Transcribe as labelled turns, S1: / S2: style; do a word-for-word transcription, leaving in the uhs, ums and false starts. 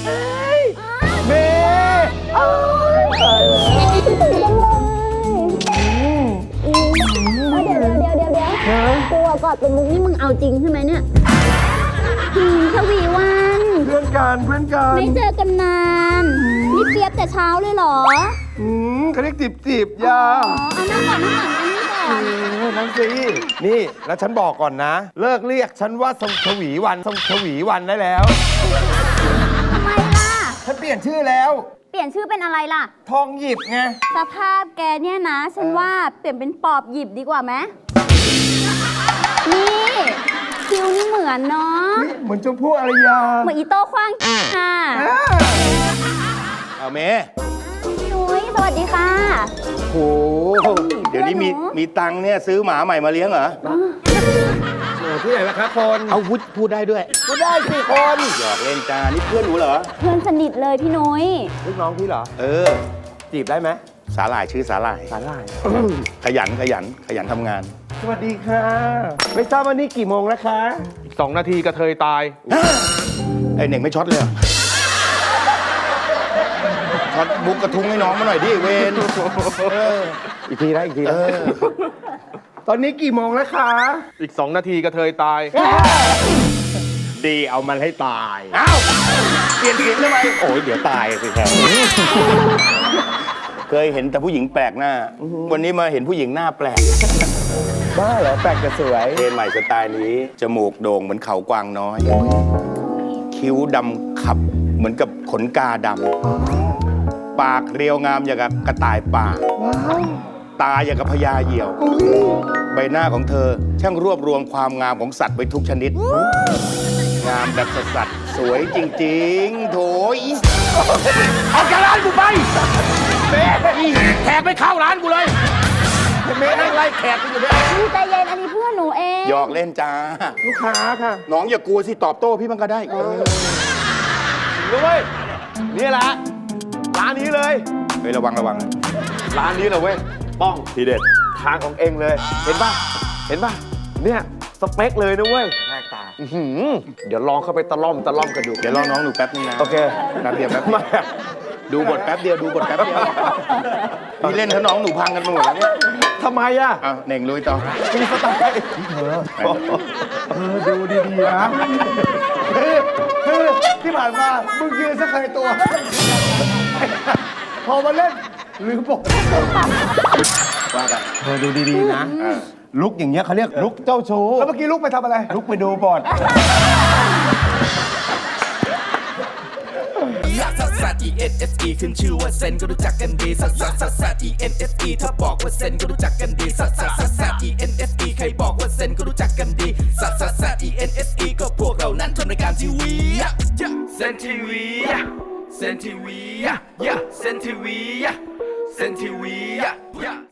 S1: เมย์เอ้ยตายแล้ว
S2: เดี๋ยวเดี๋ยวเดี๋ยวเดี๋ยวเดี๋ยวกลัวกอดเป็นมุกนี่มึงเอาจริงใช่ไหมเนี่ยหืมชวีวัน
S1: เพื่อนกันเพื่อนกัน
S2: ไม่เจอกันนานนี่เปียบแต่เช้าเลยเหรอ
S1: อืมเขาเรียกจีบจีบยา
S2: อ๋อเอานั่งก่อนนั่งก่อนอันนี้ก่อน
S1: เออนั่นสินี่แล้วฉันบอกก่อนนะ เลิกเรียกฉันว่าทรงชวีวันทรงชวีวันได้แล้ว
S2: ทำไมล่ะ
S1: ฉันเปลี่ยนชื่อแล้ว
S2: เปลี่ยนชื่อเป็นอะไรล่ะ
S1: ทองหยิบไง
S2: สภาพแกเนี่ยนะ ฉันว่าเปลี่ยนเป็นปอบหยิบดีกว่าไหมนี่คิวนี่เหมือนเนาะ
S1: นี่เหมือนชมพู่อารยา
S2: เหมือนอีโต้ขว้างค่ะ
S1: อ่า
S3: เอาเมย์
S2: พี่นุ้ยสวัสดีค่ะ
S3: โหเดี๋ยวนี้มี
S2: เพื่อนหนู
S3: มีตังค์เนี่ยซื้อหมาใหม่มาเลี้ยงเหรอ
S1: เออที่ไหนล่ะครับคน
S3: เอาพูดพูดได้ด้วย
S1: ก็ได้สิคน
S3: หยอกเล่นจ้านี่เพื่อนหนูเหรอ
S2: เพื่อนสนิทเลยพี่นุ้ย
S1: ลูกน้องพี่เหรอ
S3: เออ
S1: จีบได้ไหม
S3: สาหร่ายชื่อสาหร่าย
S1: สาหร่าย
S3: ขยันขยันขยันทำงาน
S1: สวัสดีค่ะ ไม่ทราบว่านี่กี่โมงแล้วคะ
S4: สองนาทีกระเทยตาย
S3: ไอเน่งไม่ช็อตเลยเหรอช็อตบุกกระทุ้งให้น้องมาหน่อยดิเวนเออ
S1: อีกทีนะอีกที
S3: เอ
S1: นะ
S3: อ
S1: ตอนนี้กี่โมงแล้วคะ
S4: อีกสองนาทีกระเทยตาย
S3: ดีเอามันให้ตาย อ้าวเปลี่ยนเสียงทำไมโอ้ยเดี๋ยวตายสิครับเคยเห็นแต่ผู้หญิงแปลกหน้า วันนี้มาเห็นผู้หญิงหน้าแปลก
S1: บ้าเหรอแปลกแต่สวย
S3: เทรนใหม่สไตล์นี้ จมูกโด่งเหมือนเขากวางน้อย คิ้วดำขับเหมือนกับขนกาดำ ปากเรียวงามอย่างกับกระต่ายป่า ตาอย่างกับพญาเหยี่ยว ใบหน้าของเธอ ช่างรวบรวมความงามของสัตว์ไว้ทุกชนิด งามแบบสัตว์สวยจริงๆ โถยออกจากร้านกูไปเม่แขกไม่เข้าร้านกูเลยเม่นั่งไล่แขกกูอยู่เนี่ย
S2: พี่ใจเย็นอันนี้เพื่อนหนูเอง
S3: หยอกเล่นจ้า
S1: ลูกค้าค่ะ
S3: น้องอย่ากลัวสิตอบโต้พี่มันก็ได้
S1: ด้วยนี่แหละร้านนี้เลย
S3: เฮ้ยระวังระวัง
S1: ร้านนี้เลยเว้ย ป้อง
S3: ทีเด็ด
S1: ทางของเองเลย เห็นป่ะ เห็นป่ะ เนี่ย สเปคเลยนะเว้ยแรกตาเดี๋ยวลองเข้าไปตะล่อมตะล่อมกันดู
S3: เดี๋ยวลองน้องดูแป๊บนึงนะ
S1: โอเค
S3: แป๊บเดียวแป๊บเดียว
S1: มา
S3: ดูบทแป๊บเดียวดูบทแป๊บเดียวนี่เล่นถ้าน้องหนูพังกันไปหมดแล้วเนี่ย
S1: ทำไมอ่ะ
S3: อ่ะเน่งลุยต่อ
S1: มีสไตล์เธอเออดูดีๆนะคือคือที่ผ่านมามึงยืนสักใครตัว พอมาเล่นลืมบอก
S3: ว่าไป
S1: เธอดูดีๆนะ ลุกอย่างเงี้ยเขาเรียกลุกเจ้าชู้ แล้วเมื่อกี้ลุกไปทำอะไร ลุกไปดูบอล
S5: ลักซัสซัส E N S E ขึ้นชื่อว่าเซนก็รู้จักกันดีซัสซัสซัสซัส E N S E ถ้าบอกว่าเซนก็รู้จักกันดีซัสซัสซัสซัส E N S E ใครบอกว่าเซนก็รู้จักกันดีซัสซัสซัส E N S E ก็พวกเรานั้นทำรายการทีวีเซนทีวีเซนทีวีเซนทีวีเซนทีวี